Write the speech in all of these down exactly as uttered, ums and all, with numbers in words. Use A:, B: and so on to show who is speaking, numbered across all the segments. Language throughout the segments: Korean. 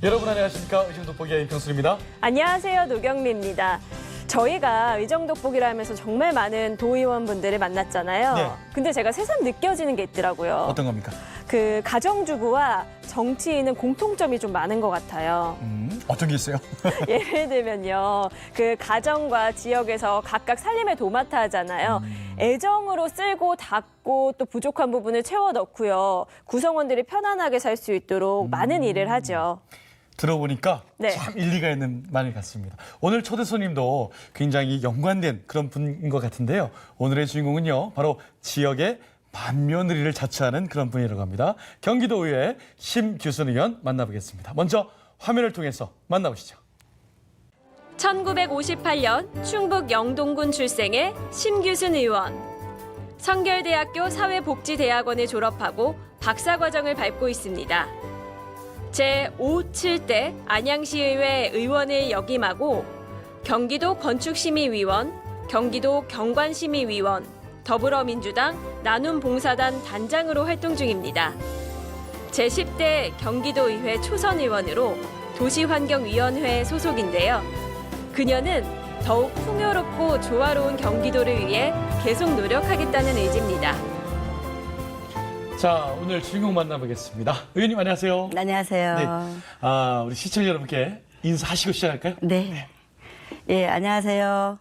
A: 여러분 안녕하십니까? 의정돋보기의 이평순입니다.
B: 안녕하세요. 노경미입니다. 저희가 의정돋보기를 하면서 정말 많은 도의원분들을 만났잖아요.
A: 네.
B: 근데 제가 새삼 느껴지는 게 있더라고요.
A: 어떤 겁니까?
B: 그 가정주부와 정치인은 공통점이 좀 많은 것 같아요.
A: 음, 어떤 게 있어요?
B: 예를 들면요. 그 가정과 지역에서 각각 살림의 도맡아 하잖아요.
A: 음.
B: 애정으로 쓸고 닦고 또 부족한 부분을 채워 넣고요. 구성원들이 편안하게 살 수 있도록
A: 음.
B: 많은 일을 하죠.
A: 들어보니까
B: 네.
A: 참 일리가 있는 말 같습니다. 오늘 초대 손님도 굉장히 연관된 그런 분인 것 같은데요. 오늘의 주인공은요. 바로 지역의 맏며느리를 자처하는 그런 분이라고 합니다. 경기도의회 심규순 의원 만나보겠습니다. 먼저 화면을 통해서 만나보시죠.
B: 천구백오십팔 년 충북 영동군 출생의 심규순 의원. 성결대학교 사회복지대학원을 졸업하고 박사과정을 밟고 있습니다. 제오, 칠 대 안양시의회 의원을 역임하고 경기도 건축심의위원, 경기도 경관심의위원, 더불어민주당 나눔봉사단 단장으로 활동 중입니다. 제십 대 경기도의회 초선의원으로 도시환경위원회 소속인데요. 그녀는 더욱 풍요롭고 조화로운 경기도를 위해 계속 노력하겠다는 의지입니다.
A: 자, 오늘 주인공 만나보겠습니다. 의원님 안녕하세요.
C: 안녕하세요.
A: 네. 아, 우리 시청자 여러분께 인사하시고 시작할까요?
C: 네. 예, 안녕하세요.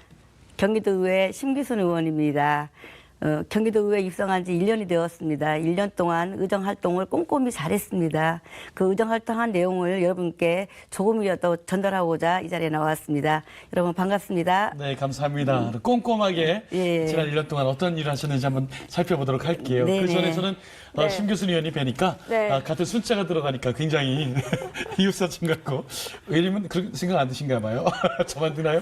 C: 경기도의회 심규순 의원입니다. 어, 경기도의회 입성한 지 일 년이 되었습니다. 일 년 동안 의정활동을 꼼꼼히 잘했습니다. 그 의정활동한 내용을 여러분께 조금이라도 전달하고자 이 자리에 나왔습니다. 여러분 반갑습니다.
A: 네, 감사합니다. 꼼꼼하게
C: 예.
A: 지난 일 년 동안 어떤 일을 하셨는지 한번 살펴보도록 할게요.
C: 네네.
A: 그 전에서는 어,
B: 네.
A: 심규순 의원이 뵈니까
B: 네.
A: 아, 같은 숫자가 들어가니까 굉장히 이웃사촌 같고 의원님은 그런 생각 안 드신가 봐요. 저만 드나요?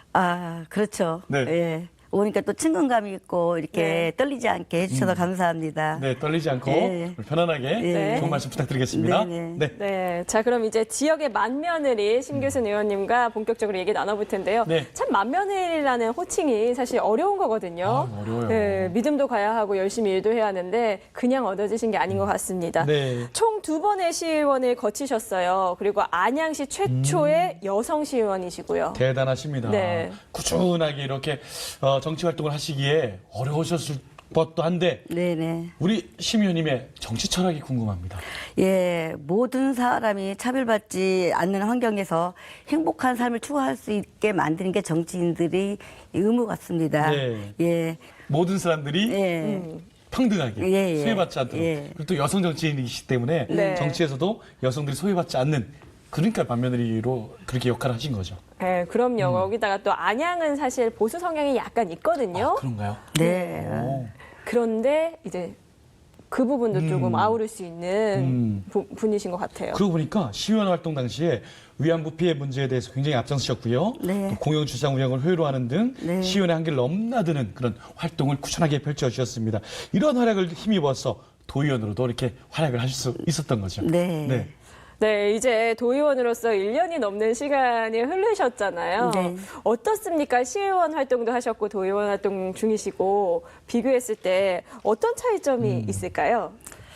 C: 아, 그렇죠.
A: 네.
C: 예. 오니까 또 친근감이 있고 이렇게
B: 네.
C: 떨리지 않게 해주셔서 감사합니다.
A: 네, 떨리지 않고
C: 예.
A: 편안하게
C: 네.
A: 좋은 말씀 부탁드리겠습니다.
C: 네네.
A: 네.
B: 네, 자 그럼 이제 지역의 맏며느리 심규순 의원님과 본격적으로 얘기 나눠볼 텐데요.
A: 네.
B: 참 맏며느리라는 호칭이 사실 어려운 거거든요.
A: 아, 어려워요.
B: 네, 믿음도 가야 하고 열심히 일도 해야 하는데 그냥 얻어지신 게 아닌 것 같습니다.
A: 네.
B: 총 두 번의 시의원을 거치셨어요. 그리고 안양시 최초의 여성 시의원이시고요.
A: 대단하십니다.
B: 네.
A: 꾸준하게 이렇게 어, 정치 활동을 하시기에 어려우셨을 것도 한데
C: 네네.
A: 우리 심 의원님의 정치 철학이 궁금합니다.
C: 예, 모든 사람이 차별받지 않는 환경에서 행복한 삶을 추구할 수 있게 만드는 게 정치인들의 의무 같습니다.
A: 네.
C: 예,
A: 모든 사람들이
C: 예,
B: 음.
A: 평등하게
C: 예, 예.
A: 소외받지 않도록
C: 예.
A: 그리고 또 여성 정치인이시기 때문에
B: 네.
A: 정치에서도 여성들이 소외받지 않는 그러니까 맏며느리로 그렇게 역할을 하신 거죠.
B: 네, 그럼요.
A: 음.
B: 거기다가 또 안양은 사실 보수 성향이 약간 있거든요.
A: 아, 그런가요?
C: 네.
A: 오.
B: 그런데 이제 그 부분도 조금 아우를 수 있는
A: 음.
B: 부- 분이신 것 같아요.
A: 그러고 보니까 시의원 활동 당시에 위안부 피해 문제에 대해서 굉장히 앞장서셨고요.
C: 네.
A: 또 공영주차장 운영을 효율화 하는 등
C: 네.
A: 시의원의 한계를 넘나드는 그런 활동을 꾸준하게 펼쳐주셨습니다. 이런 활약을 힘입어서 도의원으로도 이렇게 활약을 하실 수 있었던 거죠.
C: 네.
B: 네, 이제 도의원으로서 일 년이 넘는 시간이 흐르셨잖아요.
C: 네.
B: 어떻습니까? 시의원 활동도 하셨고 도의원 활동 중이시고 비교했을 때 어떤 차이점이 있을까요?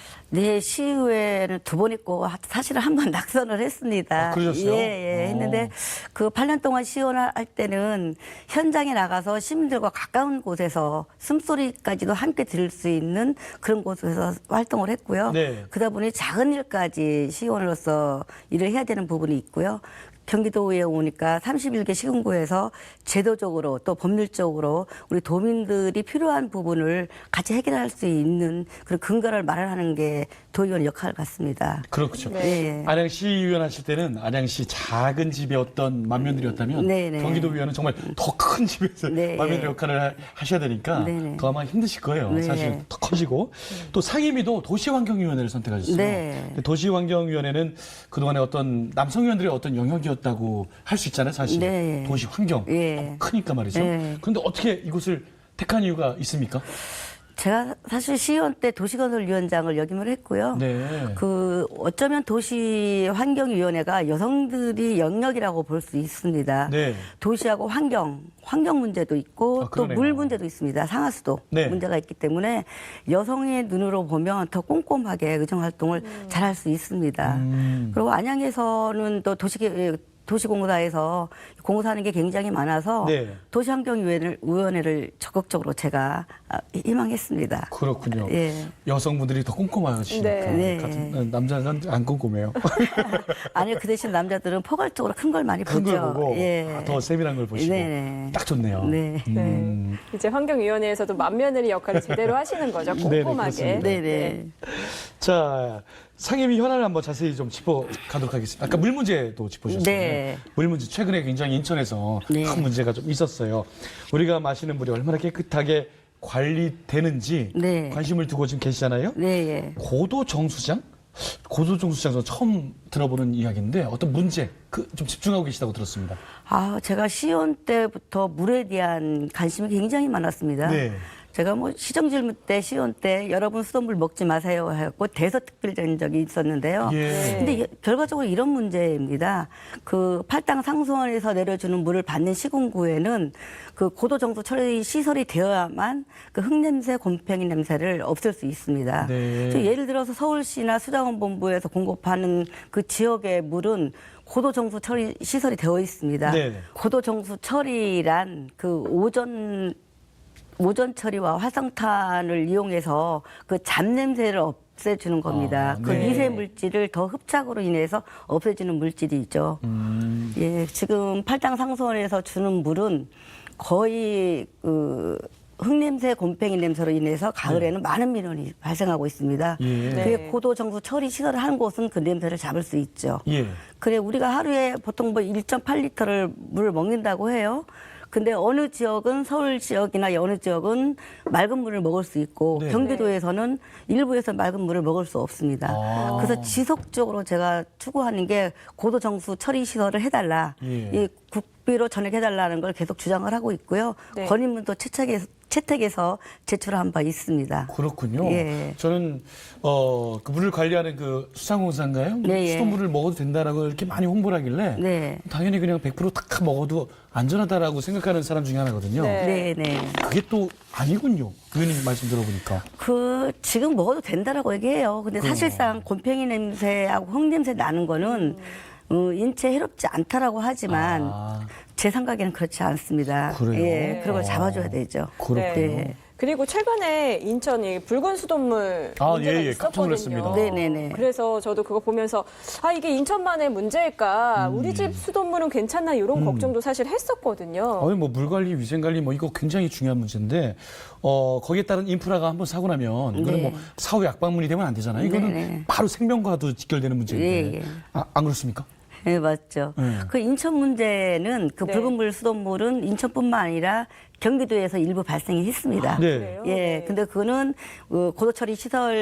C: 네, 시의회는 두 번 있고 사실은 한 번 낙선을 했습니다.
A: 아, 그러셨어요?
C: 예, 예.
A: 어.
C: 했는데 그 팔 년 동안 시의원 할 때는 현장에 나가서 시민들과 가까운 곳에서 숨소리까지도 함께 들을 수 있는 그런 곳에서 활동을 했고요.
A: 네.
C: 그러다 보니 작은 일까지 시의원으로서 일을 해야 되는 부분이 있고요. 경기도에 오니까 삼십일 개 시군구에서 제도적으로 또 법률적으로 우리 도민들이 필요한 부분을 같이 해결할 수 있는 그런 근거를 마련하는 게 도의원 역할 같습니다.
A: 그렇죠.
C: 네.
A: 안양시 의원 하실 때는 안양시 작은 집의 어떤 맏며느리였다면
C: 네, 네.
A: 경기도 의원은 정말 더 큰 집에서
C: 네.
A: 맏며느리 역할을 하- 하셔야 되니까
C: 네, 네.
A: 더 아마 힘드실 거예요.
C: 네.
A: 사실 더 커지고 또 상임위도 도시환경위원회를 선택하셨어요.
C: 네.
A: 근데 도시환경위원회는 그동안에 어떤 남성 의원들의 어떤 영역이었다고 할 수 있잖아요. 사실
C: 네.
A: 도시환경
C: 예.
A: 너무 크니까 말이죠.
C: 네.
A: 그런데 어떻게 이곳을 택한 이유가 있습니까?
C: 제가 사실 시의원 때 도시건설위원장을 역임을 했고요.
A: 네.
C: 그 어쩌면 도시환경위원회가 여성들이 영역이라고 볼 수 있습니다.
A: 네.
C: 도시하고 환경, 환경 문제도 있고
A: 아,
C: 또
A: 그러네요.
C: 물 문제도 있습니다. 상하수도
A: 네.
C: 문제가 있기 때문에 여성의 눈으로 보면 더 꼼꼼하게 의정활동을 잘할 수 있습니다.
A: 음.
C: 그리고 안양에서는 또 도시 도시공사에서 공사하는 게 굉장히 많아서
A: 네.
C: 도시환경위원회를 위원회를 적극적으로 제가 아, 희망했습니다.
A: 그렇군요.
C: 예.
A: 여성분들이 더 꼼꼼하시니까
B: 네.
A: 같은 남자는 안 꼼꼼해요.
C: 아니요, 그 대신 남자들은 포괄적으로 큰 걸 많이
A: 큰
C: 보죠.
A: 걸 보고
C: 예.
A: 아, 더 세밀한 걸 보시고
C: 네.
A: 딱 좋네요.
C: 네.
A: 음.
B: 이제 환경위원회에서도 맏며느리 역할을 제대로 하시는 거죠.
A: 네네,
B: 꼼꼼하게.
A: 그렇습니다.
C: 네네.
A: 자, 상임위 현안을 한번 자세히 좀 짚어가도록 하겠습니다. 아까 물 문제도 짚어주셨잖아요.
C: 네.
A: 물 문제 최근에 굉장히 인천에서
C: 네.
A: 큰 문제가 좀 있었어요. 우리가 마시는 물이 얼마나 깨끗하게 관리되는지
C: 네.
A: 관심을 두고 지금 계시잖아요.
C: 네. 예.
A: 고도 정수장? 고도 정수장 저는 처음 들어보는 이야기인데 어떤 문제 그 좀 집중하고 계시다고 들었습니다.
C: 아, 제가 시의원 때부터 물에 대한 관심이 굉장히 많았습니다.
A: 네.
C: 제가 뭐 시정질문 때 시의원 때 여러분 수돗물 먹지 마세요 하고 대서특필된 적이 있었는데요.
A: 예.
C: 근데 이- 결과적으로 이런 문제입니다. 그 팔당 상수원에서 내려주는 물을 받는 시군구에는 그 고도 정수 처리 시설이 되어야만 그 흙냄새, 곰팡이 냄새를 없앨 수 있습니다.
A: 네.
C: 저 예를 들어서 서울시나 수자원본부에서 공급하는 그 지역의 물은 고도 정수 처리 시설이 되어 있습니다.
A: 네.
C: 고도 정수 처리란 그 오전 오전 처리와 활성탄을 이용해서 그 잡냄새를 없애주는 겁니다.
A: 아,
C: 그
A: 네.
C: 미세 물질을 더 흡착으로 인해서 없애주는 물질이죠.
A: 음.
C: 예, 지금 팔당 상수원에서 주는 물은 거의 그 흙냄새, 곰팡이 냄새로 인해서 가을에는 많은 민원이 발생하고 있습니다.
A: 예.
B: 네.
C: 그게 고도 정수 처리 시설을 하는 곳은 그 냄새를 잡을 수 있죠.
A: 예.
C: 그래 우리가 하루에 보통 뭐 일 점 팔 리터를 물을 먹는다고 해요. 근데 어느 지역은 서울 지역이나 어느 지역은 맑은 물을 먹을 수 있고
A: 네.
C: 경기도에서는 일부에서 맑은 물을 먹을 수 없습니다.
A: 아.
C: 그래서 지속적으로 제가 추구하는 게 고도 정수 처리 시설을 해달라.
A: 예.
C: 이 국비로 전액해달라는 걸 계속 주장을 하고 있고요.
B: 네.
C: 건의문도 채택해서, 채택해서 제출한 바 있습니다.
A: 그렇군요.
C: 예.
A: 저는 어, 그 물을 관리하는 그 수상공사인가요?
C: 네, 예.
A: 수돗물을 먹어도 된다라고 이렇게 많이 홍보를 하길래
C: 네.
A: 당연히 그냥 백 퍼센트 탁 먹어도 안전하다라고 생각하는 사람 중에 하나거든요.
B: 네.
C: 네, 네.
A: 그게 또 아니군요. 의원님 말씀 들어보니까.
C: 그 지금 먹어도 된다라고 얘기해요. 근데 사실상 곰팡이 냄새하고 흙 냄새 나는 거는 어, 인체 해롭지 않다라고 하지만
A: 아.
C: 제 생각에는 그렇지 않습니다.
A: 그래요?
C: 예, 그런 걸
A: 어.
C: 잡아줘야 되죠.
A: 그렇군요.
C: 네.
B: 그리고 최근에 인천이 붉은 수돗물
A: 아,
B: 문제가
A: 예, 예. 깜짝
B: 있었거든요.
A: 놀랐습니다.
C: 네네네.
B: 그래서 저도 그거 보면서 아 이게 인천만의 문제일까?
A: 음.
B: 우리 집 수돗물은 괜찮나 이런 걱정도 사실 했었거든요.
A: 어이 뭐 물관리, 위생관리 뭐 이거 굉장히 중요한 문제인데 어 거기에 따른 인프라가 한번 사고 나면 이거는
C: 네.
A: 뭐 사후 약방문이 되면 안 되잖아요. 이거는
C: 네네.
A: 바로 생명과도 직결되는 문제인데
C: 예, 예.
A: 아, 안 그렇습니까?
C: 네, 맞죠.
A: 네.
C: 그 인천 문제는 그
B: 네.
C: 붉은 물 수돗물은 인천뿐만 아니라 경기도에서 일부 발생이 했습니다.
A: 네.
B: 그래요?
C: 예,
B: 네.
C: 근데 그거는 어, 고도 처리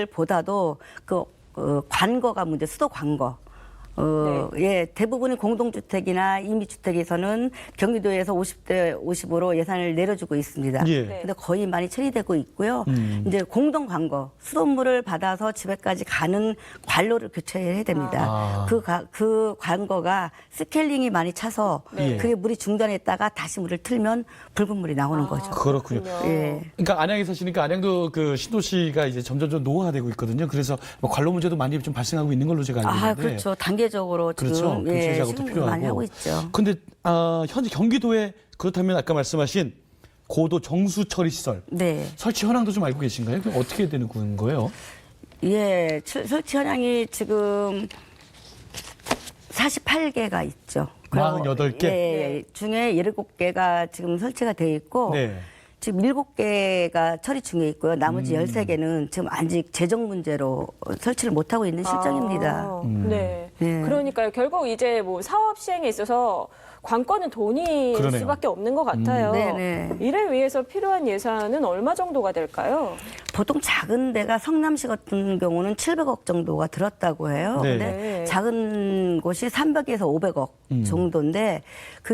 C: 시설보다도 그 어, 관거가 문제, 수도 관거. 어, 예, 대부분의 공동주택이나 임시주택에서는 경기도에서 오십 대 오십으로 예산을 내려주고 있습니다.
A: 예.
B: 네.
C: 근데 거의 많이 처리되고 있고요.
A: 음.
C: 이제 공동 관거, 수돗물을 받아서 집에까지 가는 관로를 교체해야 됩니다.
A: 아.
C: 그, 가- 그 관거가 스케일링이 많이 차서
A: 네.
C: 그게 물이 중단했다가 다시 물을 틀면 붉은 물이 나오는 거죠.
A: 그렇군요.
C: 예.
A: 그러니까 안양에 사시니까 안양도 그 신도시가 이제 점점점 노후화되고 있거든요. 그래서 뭐 관로 문제도 많이 좀 발생하고 있는 걸로 제가 알고 있는데.
C: 아, 그렇죠. 단계적으로
A: 그렇죠.
C: 지금
A: 교체
C: 예,
A: 작업도
C: 시행을
A: 필요하고.
C: 많이 하고 있죠.
A: 근데 아, 현재 경기도에 그렇다면 아까 말씀하신 고도 정수 처리 시설
C: 네.
A: 설치 현황도 좀 알고 계신가요? 그럼 어떻게 되는 거예요?
C: 예, 출- 설치 현황이 지금 사십팔 개가 있죠. 그리고
A: 사십팔 개?
C: 예, 중에 일곱 개가 지금 설치가 돼 있고
A: 네.
C: 지금 일곱 개가 처리 중에 있고요. 나머지
A: 음.
C: 열세 개는 지금 아직 재정 문제로 설치를 못 하고 있는 실정입니다.
B: 아,
A: 음.
B: 네.
C: 네.
B: 그러니까요. 결국 이제 뭐 사업 시행에 있어서 관건은 돈일
A: 그러네요.
B: 수밖에 없는 것 같아요.
C: 음. 네네.
B: 이를 위해서 필요한 예산은 얼마 정도가 될까요?
C: 보통 작은 데가 성남시 같은 경우는 칠백억 정도가 들었다고 해요.
A: 네.
C: 근데
B: 네.
C: 작은 곳이 삼백에서 오백억
A: 음.
C: 정도인데 그게 국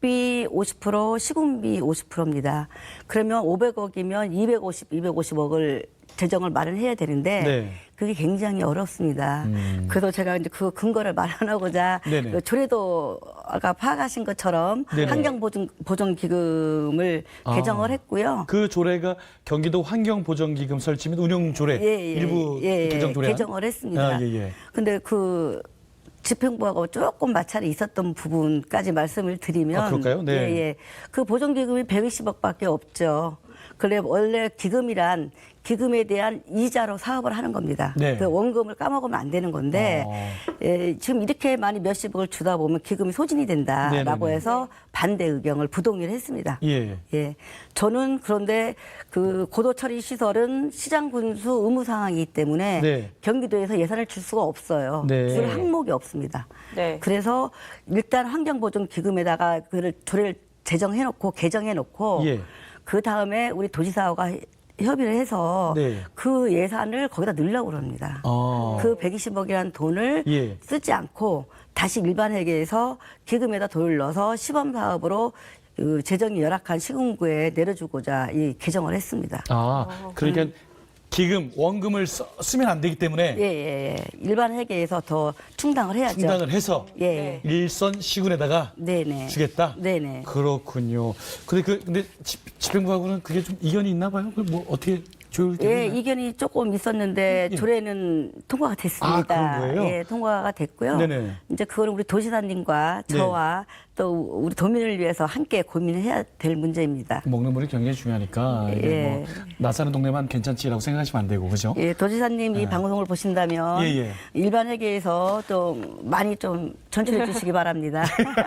C: 국비 오십 퍼센트, 시군비 오십 퍼센트입니다. 그러면 오백억이면 이백오십, 이백오십억을 재정을 마련해야 되는데
A: 네.
C: 그게 굉장히 어렵습니다.
A: 음.
C: 그래서 제가 이제 그 근거를 마련하고자
A: 네네.
C: 그 조례도 아까 파악하신 것처럼
A: 네네.
C: 환경보존기금을
A: 아.
C: 개정을 했고요.
A: 그 조례가 경기도 환경보전기금 설치 및 운영 조례
C: 예, 예,
A: 일부
C: 예, 예,
A: 개정 조례
C: 개정을 했습니다.
A: 아, 예, 예.
C: 근데 그 집행부하고 조금 마찰이 있었던 부분까지 말씀을 드리면
A: 아, 그럴까요? 네.
C: 예, 예. 그 보존기금이 백이십억밖에 없죠. 그래 원래 기금이란 기금에 대한 이자로 사업을 하는 겁니다.
A: 네.
C: 그 원금을 까먹으면 안 되는 건데
A: 어.
C: 예, 지금 이렇게 많이 몇십억을 주다 보면 기금이 소진이 된다라고
A: 네네네.
C: 해서 반대 의견을 부동의를 했습니다.
A: 예.
C: 예, 저는 그런데 그 고도 처리 시설은 시장 군수 의무 상황이기 때문에
A: 네.
C: 경기도에서 예산을 줄 수가 없어요.
A: 네.
C: 줄 항목이 없습니다.
B: 네.
C: 그래서 일단 환경보존기금에다가 그를 조례를 제정해놓고 개정해놓고
A: 예.
C: 그 다음에 우리 도지사와 협의를 해서
A: 네.
C: 그 예산을 거기다 넣으려고 그럽니다.
A: 아.
C: 그 백이십억이라는 돈을
A: 예.
C: 쓰지 않고 다시 일반 회계에서 기금에다 돈을 넣어서 시범 사업으로 그 재정이 열악한 시군구에 내려주고자 이 개정을 했습니다.
A: 아, 그러니까 기금 원금을 써, 쓰면 안 되기 때문에
C: 예, 예, 예. 일반 회계에서 더 충당을 해야죠.
A: 충당을 해서
C: 예.
A: 일선 시군에다가
C: 네네.
A: 주겠다.
C: 네네.
A: 그렇군요. 근데 그 근데 집, 집행부하고는 그게 좀 이견이 있나 봐요. 그 뭐 어떻게 조율되나요?
C: 예, 이견이 조금 있었는데
A: 예.
C: 조례는 통과가 됐습니다.
A: 아, 그런 거예요?
C: 예, 통과가 됐고요.
A: 네네.
C: 이제 그거는 우리 도지사님과
A: 네.
C: 저와 또 우리 도민을 위해서 함께 고민해야 될 문제입니다.
A: 먹는 물이 굉장히 중요하니까 이게
C: 예.
A: 뭐 나사는 동네만 괜찮지라고 생각하시면 안 되고 그죠?
C: 예, 도지사님 이 방송을 보신다면
A: 예, 예.
C: 일반 회계에서 좀 많이 좀 전출해 주시기 바랍니다.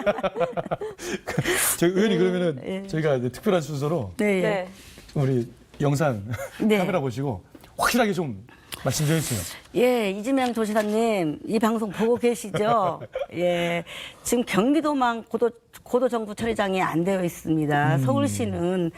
A: 저희 의원님 그러면은
C: 예.
A: 저희가 이제 특별한 순서로
C: 네.
B: 네.
A: 우리 영상
C: 네.
A: 카메라 보시고 확실하게 좀 말씀 좀 해주세요.
C: 예, 이재명 도지사님 이 방송 보고 계시죠? 예, 지금 경기도만 고도 고도 정부 처리장이 안 되어 있습니다. 서울시는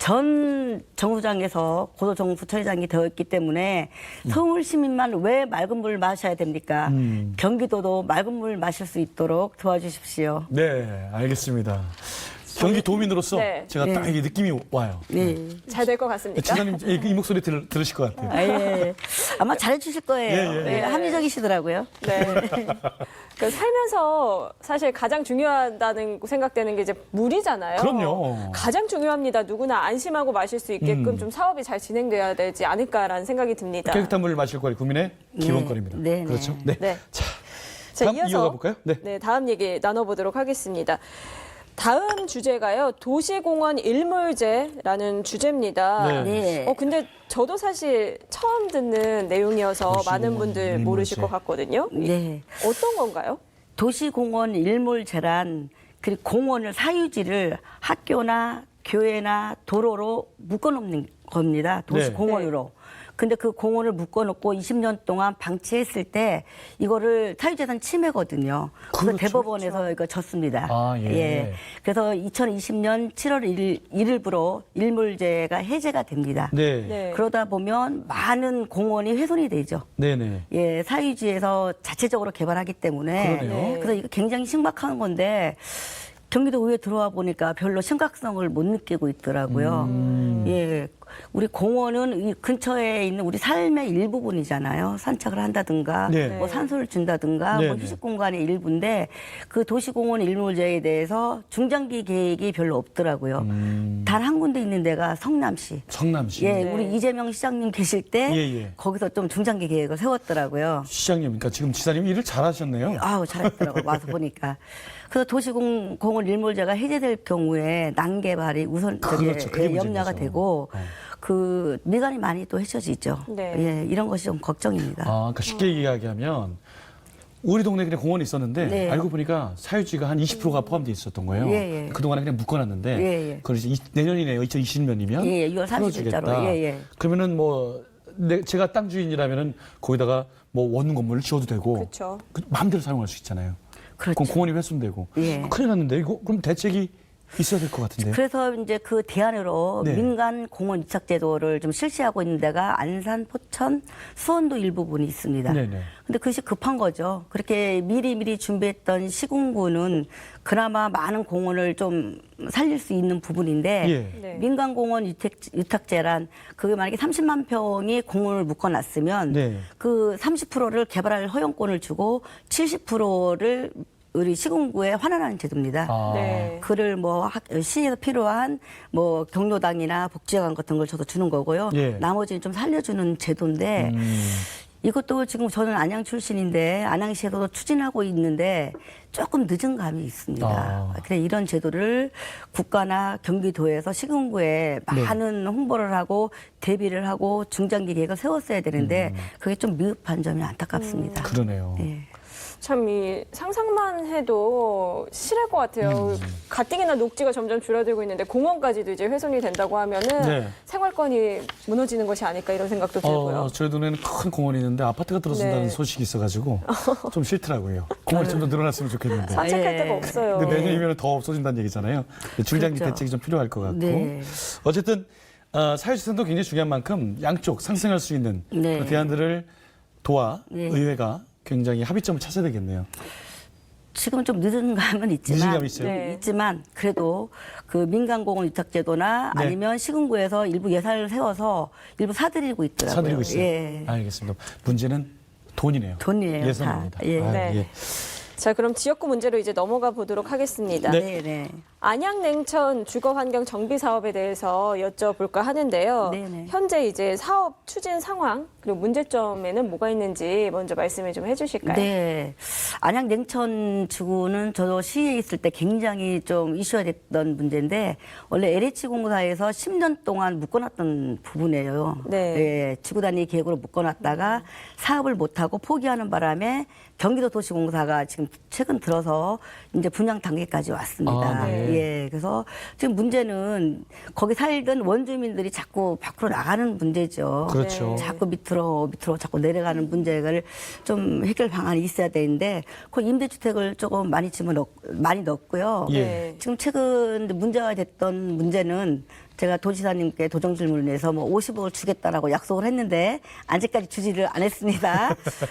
C: 전 정수장에서 고도 정부 처리장이 되어 있기 때문에 서울 시민만 왜 맑은 물 마셔야 됩니까?
A: 음.
C: 경기도도 맑은 물 마실 수 있도록 도와주십시오.
A: 네, 알겠습니다. 경기 도민으로서
B: 네.
A: 제가 딱 이게 느낌이 와요.
C: 예.
B: 잘 될 것 같습니까?
A: 지사님 이, 이 목소리 들, 들으실 것 같아요.
C: 아, 예. 아마 잘해주실 거예요.
A: 예, 예,
C: 예, 합리적이시더라고요.
B: 네. 그 살면서 사실 가장 중요하다는 생각되는 게 이제 물이잖아요.
A: 그럼요.
B: 가장 중요합니다. 누구나 안심하고 마실 수 있게끔
A: 음.
B: 좀 사업이 잘 진행돼야 되지 않을까라는 생각이 듭니다.
A: 깨끗한 물을 마실 거리 국민의 기본권입니다.
C: 네, 네.
A: 그렇죠? 네.
B: 네.
A: 자,
B: 자,
A: 다음
B: 이어서
A: 이어가 볼까요? 네.
B: 네, 다음 얘기 나눠보도록 하겠습니다. 다음 주제가요. 도시공원 일몰제라는
A: 네.
B: 주제입니다.
C: 네.
B: 어 근데 저도 사실 처음 듣는 내용이어서
A: 도시공원
B: 많은 분들
A: 일몰제.
B: 모르실 것 같거든요.
C: 네.
B: 어떤 건가요?
C: 도시공원 일몰제란 그 공원을 사유지를 학교나 교회나 도로로 묶어놓는 겁니다. 도시공원으로. 근데 그 공원을 묶어놓고 이십 년 동안 방치했을 때 이거를 사유재산 침해거든요. 그래서
A: 그렇죠.
C: 대법원에서 이거 졌습니다.
A: 아, 예.
C: 그래서 이천이십 년 칠월 일 일일부로 일몰제가 해제가 됩니다.
A: 네.
B: 네.
C: 그러다 보면 많은 공원이 훼손이 되죠.
A: 네네.
C: 예, 사유지에서 자체적으로 개발하기 때문에
A: 그러네요.
B: 네.
C: 그래서 이거 굉장히 심각한 건데 경기도 의회 들어와 보니까 별로 심각성을 못 느끼고 있더라고요.
A: 음.
C: 예, 우리 공원은 이 근처에 있는 우리 삶의 일부분이잖아요. 산책을 한다든가,
A: 네.
C: 뭐 산소를 준다든가,
A: 네,
C: 뭐
A: 네.
C: 휴식 공간의 일부인데 그 도시공원 일몰제에 대해서 중장기 계획이 별로 없더라고요.
A: 음.
C: 단 한 군데 있는 데가 성남시.
A: 성남시.
C: 예,
B: 네.
C: 우리 이재명 시장님 계실 때
A: 예, 예.
C: 거기서 좀 중장기 계획을 세웠더라고요.
A: 시장님, 그러니까 지금 지사님 일을 잘하셨네요.
C: 아우 잘했더라고 와서 보니까. 그래서 도시공원 일몰제가 해제될 경우에 난개발이 우선 저기
A: 그렇죠. 그게
C: 예, 염려가
A: 문제죠.
C: 되고
A: 어.
C: 그 미관이 많이 또 헤쳐지죠.
B: 네.
C: 예, 이런 것이 좀 걱정입니다.
A: 아, 그러니까 쉽게 이야기하면 우리 동네에 그냥 공원이 있었는데
C: 네.
A: 알고 보니까 사유지가 한 이십 퍼센트가 포함되어 있었던 거예요.
C: 예, 예.
A: 그동안에 그냥 묶어놨는데
C: 예, 예.
A: 그걸 이제 이- 내년이네요. 이천이십 년이면
C: 예, 예, 유월 삼십 일자로. 예, 예.
A: 그러면은 뭐 내, 제가 땅 주인이라면은 거기다가 뭐 원룸 건물을 지어도 되고
B: 그렇죠.
A: 그 마음대로 사용할 수 있잖아요.
C: 그렇죠.
A: 그럼 공원이 훼손되고
C: 예.
A: 큰일 났는데 이거 그럼 대책이 있어야 될 것 같은데요.
C: 그래서 이제 그 대안으로
A: 네.
C: 민간 공원 유착 제도를 좀 실시하고 있는 데가 안산, 포천, 수원도 일부분이 있습니다.
A: 네네.
C: 근데 그것이 급한 거죠. 그렇게 미리미리 준비했던 시군구는 그나마 많은 공원을 좀 살릴 수 있는 부분인데
A: 예.
B: 네.
C: 민간공원 유탁, 유탁제란 그게 만약에 삼십만 평이 공원을 묶어놨으면
A: 네.
C: 그 삼십 퍼센트를 개발할 허용권을 주고 칠십 퍼센트를 우리 시군구에 환원하는 제도입니다.
A: 아.
B: 네.
C: 그를 뭐 학- 시에서 필요한 뭐 경로당이나 복지관 같은 걸 저도 주는 거고요.
A: 예.
C: 나머지는 좀 살려주는 제도인데
A: 음.
C: 이것도 지금 저는 안양 출신인데 안양시에서도 추진하고 있는데 조금 늦은 감이 있습니다.
A: 아.
C: 그래 이런 제도를 국가나 경기도에서 시군구에
A: 네.
C: 많은 홍보를 하고 대비를 하고 중장기 계획을 세웠어야 되는데
A: 음.
C: 그게 좀 미흡한 점이 안타깝습니다.
A: 그러네요.
C: 예.
B: 참 이 상상만 해도 싫을 것 같아요.
A: 음.
B: 가뜩이나 녹지가 점점 줄어들고 있는데 공원까지도 이제 훼손이 된다고 하면은
A: 네.
B: 생활권이 무너지는 것이 아닐까 이런 생각도 들고요.
A: 어, 저희 동네는 큰 공원이 있는데 아파트가 들어선다는
B: 네.
A: 소식이 있어가지고 좀 싫더라고요. 공원이 좀 더 늘어났으면 좋겠는데.
B: 산책할
C: 예.
B: 데가 없어요.
A: 근데 내년이면 더 없어진다는 얘기잖아요. 중장기
C: 그렇죠.
A: 대책이 좀 필요할 것 같고.
C: 네.
A: 어쨌든 어, 사회주선도 굉장히 중요한 만큼 양쪽 상생할 수 있는
C: 네.
A: 그 대안들을 도와
C: 네.
A: 의회가 굉장히 합의점을 찾아야 되겠네요.
C: 지금 좀 늦은 감은 있지만
A: 늦은 감이 있어요?
B: 네.
C: 있지만 그래도 그 민간공원 유탁제도나
A: 네.
C: 아니면 시군구에서 일부 예산을 세워서 일부 사들이고 있더라고요.
A: 사드리고 있어요.
C: 예.
A: 알겠습니다. 문제는 돈이네요.
C: 돈이에요,
A: 예산입니다.
C: 다. 예.
A: 아,
B: 네.
A: 예.
B: 자, 그럼 지역구 문제로 이제 넘어가 보도록 하겠습니다.
A: 네.
C: 네, 네.
B: 안양 냉천 주거 환경 정비 사업에 대해서 여쭤볼까 하는데요.
C: 네네.
B: 현재 이제 사업 추진 상황 그리고 문제점에는 뭐가 있는지 먼저 말씀을 좀 해주실까요?
C: 네. 안양 냉천 지구는 저도 시에 있을 때 굉장히 좀 이슈가 됐던 문제인데 원래 엘에이치 공사에서 십 년 동안 묶어놨던 부분이에요.
B: 네.
C: 예, 지구 단위 계획으로 묶어놨다가 사업을 못하고 포기하는 바람에 경기도 도시공사가 지금 최근 들어서 이제 분양 단계까지 왔습니다.
A: 아, 네.
C: 예, 그래서 지금 문제는 거기 살던 원주민들이 자꾸 밖으로 나가는 문제죠.
A: 그렇죠.
B: 네.
C: 자꾸 밑으로 밑으로 자꾸 내려가는 문제를 좀 해결 방안이 있어야 되는데 그 임대주택을 조금 많이 집어넣 많이 넣었고요.
A: 예.
B: 네.
C: 지금 최근 문제가 됐던 문제는 제가 도지사님께 도정 질문을 내서 뭐 오십억을 주겠다라고 약속을 했는데 아직까지 주지를 안 했습니다.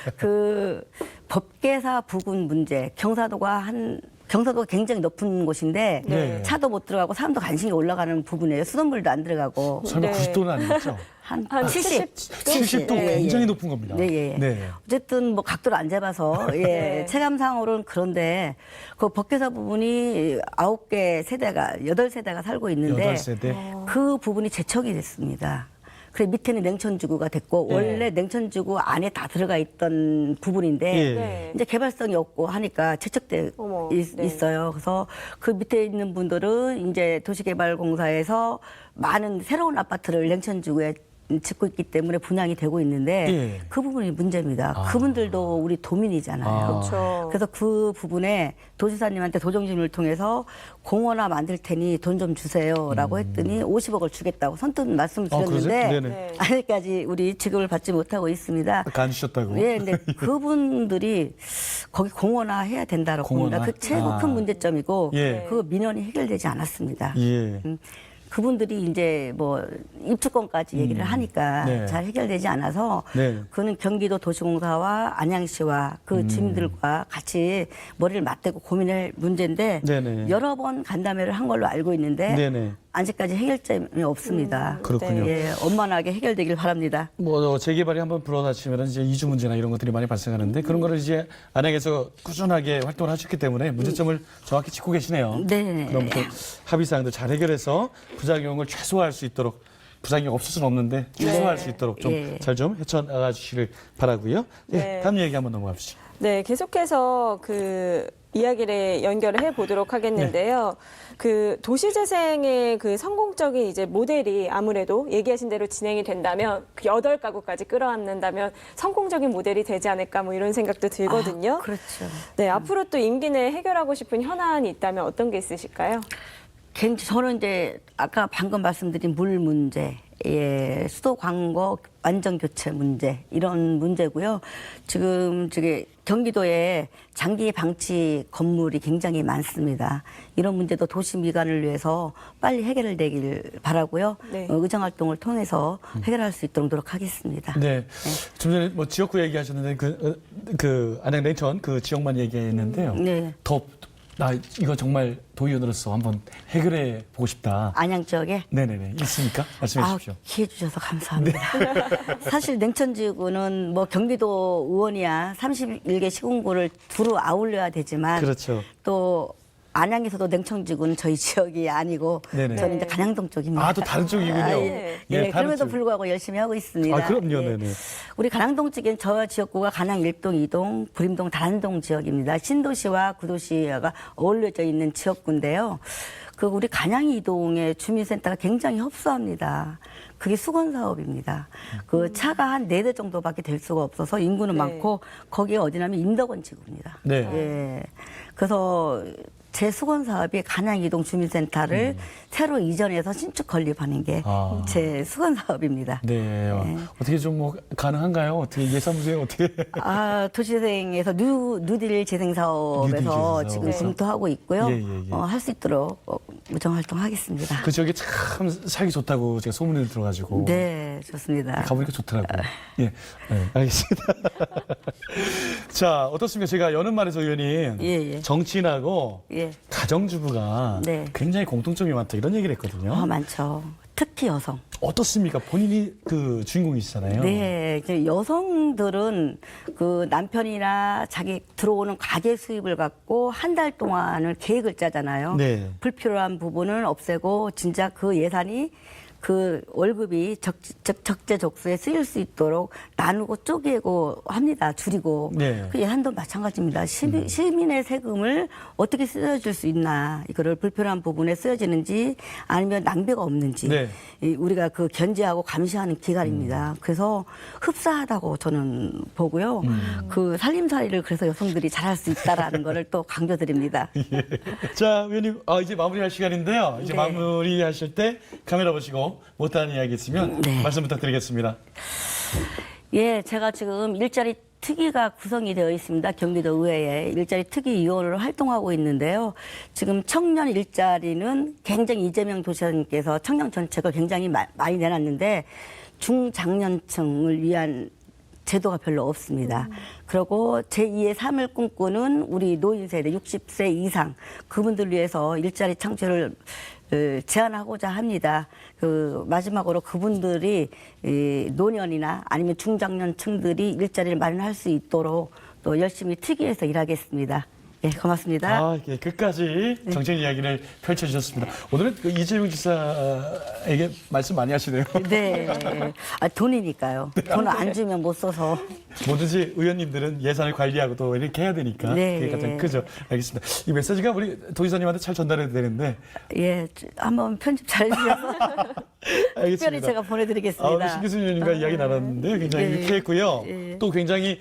C: 그 법계사 부근 문제, 경사도가 한 경사도가 굉장히 높은 곳인데
A: 네.
C: 차도 못 들어가고 사람도 간신히 올라가는 부분이에요. 수돗물도 안 들어가고
A: 설마
B: 네.
A: 구십 도는 아니겠죠?
C: 한,
B: 한
C: 칠십.
A: 칠십 도
C: 예, 예.
A: 굉장히 높은 겁니다.
C: 네, 예.
A: 네.
C: 어쨌든 뭐 각도를 안 잡아서 예,
B: 네.
C: 체감상으로는 그런데 그 법계사 부분이 아홉 개 세대가 여덟 세대가 살고 있는데
A: 여덟 세대.
C: 그 부분이 제척이 됐습니다. 그래 밑에는 냉천지구가 됐고
A: 네.
C: 원래 냉천지구 안에 다 들어가 있던 부분인데
A: 예.
B: 네.
C: 이제 개발성이 없고 하니까 제척돼
B: 어머,
C: 있,
B: 네.
C: 있어요. 그래서 그 밑에 있는 분들은 이제 도시개발공사에서 많은 새로운 아파트를 냉천지구에 짓고 있기 때문에 분양이 되고 있는데
A: 예.
C: 그 부분이 문제입니다.
A: 아.
C: 그분들도 우리 도민이잖아요.
A: 아.
B: 그렇죠.
C: 그래서 그 부분에 도지사님한테 도정질문을 통해서 공원화 만들 테니 돈 좀 주세요라고 했더니 오십억을 주겠다고 선뜻 말씀을
A: 음. 아, 그러세요?
C: 드렸는데
A: 네네.
B: 네.
C: 아직까지 우리 지급을 받지 못하고 있습니다.
A: 아까 안 주셨다고.
C: 예, 근데 그분들이 거기 공원화 해야 된다고 봅니다.
A: 공원화?
C: 그 최고
A: 아.
C: 큰 문제점이고
A: 예.
C: 그 민원이 해결되지 않았습니다.
A: 예.
C: 음, 그분들이 이제 뭐 입주권까지 얘기를 하니까
A: 네.
C: 잘 해결되지 않아서
A: 네.
C: 그는 경기도 도시공사와 안양시와 그
A: 음.
C: 주민들과 같이 머리를 맞대고 고민할 문제인데
A: 네네.
C: 여러 번 간담회를 한 걸로 알고 있는데
A: 네네.
C: 아직까지 해결점이 없습니다.
A: 그렇군요.
C: 예, 원만하게 해결되길 바랍니다.
A: 뭐 재개발이 한번 불어닥치면 이제 이주 문제나 이런 것들이 많이 발생하는데 그런 거를 이제 안양에서 꾸준하게 활동을 하셨기 때문에 문제점을 정확히 짚고 계시네요.
C: 네.
A: 그럼 또 합의 사항도 잘 해결해서 부작용을 최소화할 수 있도록 부작용이 없을 수는 없는데 최소화할
B: 네.
A: 수 있도록 좀
C: 예.
A: 잘 좀 헤쳐나가 주시를 바라고요. 예,
B: 네.
A: 다음 얘기 한번 넘어갑시다.
B: 네, 계속해서 그 이야기를 연결을 해 보도록 하겠는데요. 그 도시재생의 그 성공적인 이제 모델이 아무래도 얘기하신 대로 진행이 된다면 그 여덟 가구까지 끌어안는다면 성공적인 모델이 되지 않을까 뭐 이런 생각도 들거든요.
C: 아, 그렇죠.
B: 네, 앞으로 또 임기 내에 해결하고 싶은 현안이 있다면 어떤 게 있으실까요?
C: 굉장히 저는 이제 아까 방금 말씀드린 물 문제, 예, 수도 광고 완전 교체 문제 이런 문제고요. 지금 저기 경기도에 장기 방치 건물이 굉장히 많습니다. 이런 문제도 도시 미관을 위해서 빨리 해결되길 바라고요.
B: 네.
C: 어, 의정 활동을 통해서 해결할 수 있도록 노력하겠습니다.
A: 네. 좀 전에 뭐 지역구 얘기하셨는데 그, 어, 그 안양 냉천 그 지역만 얘기했는데요.
C: 네.
A: 더, 나 이거 정말 도의원으로서 한번 해결해 보고 싶다.
C: 안양 지역에
A: 네네네. 있습니까? 말씀해
C: 아,
A: 주십시오.
C: 기회 주셔서 감사합니다. 사실 냉천지구는 뭐 경기도 의원이야 삼십일 개 시군구를 두루 아울러야 되지만
A: 그렇죠.
C: 또 안양에서도 냉천지구는 저희 지역이 아니고
A: 네네.
C: 저는 이제 간양동 쪽입니다.
A: 아, 또 다른 쪽이군요.
C: 아, 예.
A: 예,
C: 예,
A: 다른
C: 그럼에도
A: 쪽.
C: 불구하고 열심히 하고 있습니다.
A: 아, 그럼요.
C: 예.
A: 네네.
C: 우리 간양동 쪽엔 저 지역구가 간양 일 동, 이 동, 부림동, 다란동 지역입니다. 신도시와 구도시가 어울려져 있는 지역구인데요. 그 우리 간양 이 동의 주민센터가 굉장히 협소합니다. 그게 수건 사업입니다. 그 차가 한 네 대 정도밖에 될 수가 없어서 인구는
B: 네.
C: 많고 거기에 어디냐면 인덕원 지구입니다.
A: 네.
C: 예. 그래서 제 수건 사업이 간양 이동 주민센터를 새로 이전해서 신축 건립하는 게 제
A: 아.
C: 수건 사업입니다.
A: 네. 어떻게 좀 뭐 가능한가요? 어떻게 예산문제 어떻게?
C: 아, 도시재생에서 뉴, 뉴딜 재생 사업에서
A: 뉴딜 재생 사업에서.
C: 지금
B: 네.
C: 검토하고 있고요.
A: 예, 예, 예.
C: 어, 할 수 있도록 어, 무정 활동하겠습니다.
A: 그 지역에 참 살기 좋다고 제가 소문을 들어가지고.
C: 네, 좋습니다.
A: 가보니까 좋더라고요. 예, 네, 알겠습니다. 자, 어떻습니까? 제가 여는 말에서 의원님
C: 예, 예.
A: 정치인하고
C: 예.
A: 가정주부가
C: 네.
A: 굉장히 공통점이 많다 이런 얘기를 했거든요.
C: 어, 많죠. 특히 여성.
A: 어떻습니까? 본인이 그 주인공이시잖아요.
C: 네, 이제 여성들은 그 남편이나 자기 들어오는 가계 수입을 갖고 한 달 동안을 계획을 짜잖아요.
A: 네.
C: 불필요한 부분은 없애고 진짜 그 예산이 그 월급이 적, 적, 적재적소에 쓰일 수 있도록 나누고 쪼개고 합니다. 줄이고.
A: 네.
C: 그 예산도 마찬가지입니다. 시민, 시민의 세금을 어떻게 쓰여질 수 있나. 이거를 불필요한 부분에 쓰여지는지 아니면 낭비가 없는지.
A: 네.
C: 이 우리가 그 견제하고 감시하는 기관입니다.
A: 음.
C: 그래서 흡사하다고 저는 보고요.
A: 음.
C: 그 살림살이를 그래서 여성들이 잘할 수 있다라는 거를 또 강조드립니다.
A: 자, 의원님, 아, 이제 마무리할 시간인데요. 이제
C: 네.
A: 마무리하실 때 카메라 보시고 못하는 이야기 있으면
C: 네.
A: 말씀 부탁드리겠습니다.
C: 예, 제가 지금 일자리 특위가 구성이 되어 있습니다. 경기도 의회에 일자리 특위 위원으로 활동하고 있는데요. 지금 청년 일자리는 굉장히 이재명 도시장님께서 청년 정책을 굉장히 마, 많이 내놨는데 중장년층을 위한 제도가 별로 없습니다. 그리고 제이의 삶을 꿈꾸는 우리 노인 세대 육십 세 이상 그분들 위해서 일자리 창출을 어, 제안하고자 합니다. 그 마지막으로 그분들이 이 노년이나 아니면 중장년층들이 일자리를 마련할 수 있도록 또 열심히 특위에서 일하겠습니다. 예, 고맙습니다.
A: 아, 예, 끝까지 정책 이야기를 펼쳐주셨습니다. 오늘은 그 이재명 지사에게 말씀 많이 하시네요.
C: 네, 아, 돈이니까요. 돈 안 주면 못 써서.
A: 뭐든지 의원님들은 예산을 관리하고 또 이렇게 해야 되니까
C: 네.
A: 그게 가장 크죠. 알겠습니다. 이 메시지가 우리 도지사님한테 잘 전달해야 되는데
C: 예, 한번 편집 잘 해주셔서
A: 알겠습니다.
C: 특별히 제가 보내드리겠습니다.
A: 아, 오늘 신기순 의원님과 이야기 나눴는데 굉장히
C: 예.
A: 유쾌했고요.
C: 예.
A: 또 굉장히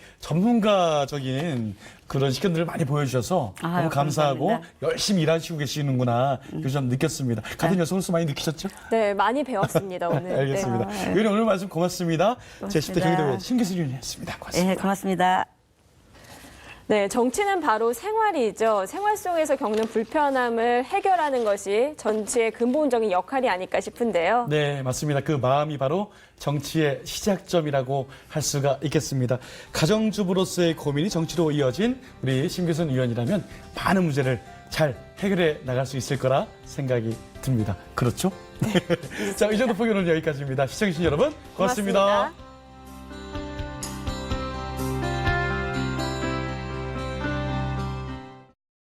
A: 전문가적인 그런 시견들을 많이 보여주셔서
C: 아유,
A: 너무 감사하고
C: 감사합니다.
A: 열심히 일하시고 계시는구나 그좀 느꼈습니다. 같은 여성으로서 많이 느끼셨죠?
B: 네, 많이 배웠습니다, 오늘. 네.
A: 알겠습니다. 의원님 오늘 말씀 고맙습니다. 제십 대
C: 고맙습니다.
A: 경기도의 신기순 의원이었습니다. 고맙습니다.
C: 예, 고맙습니다.
B: 네, 정치는 바로 생활이죠. 생활 속에서 겪는 불편함을 해결하는 것이 정치의 근본적인 역할이 아닐까 싶은데요.
A: 네, 맞습니다. 그 마음이 바로 정치의 시작점이라고 할 수가 있겠습니다. 가정주부로서의 고민이 정치로 이어진 우리 신규선 의원이라면 많은 문제를 잘 해결해 나갈 수 있을 거라 생각이 듭니다. 그렇죠? 자, 이 정도 포기는 여기까지입니다. 시청해주신 여러분 고맙습니다.
B: 고맙습니다.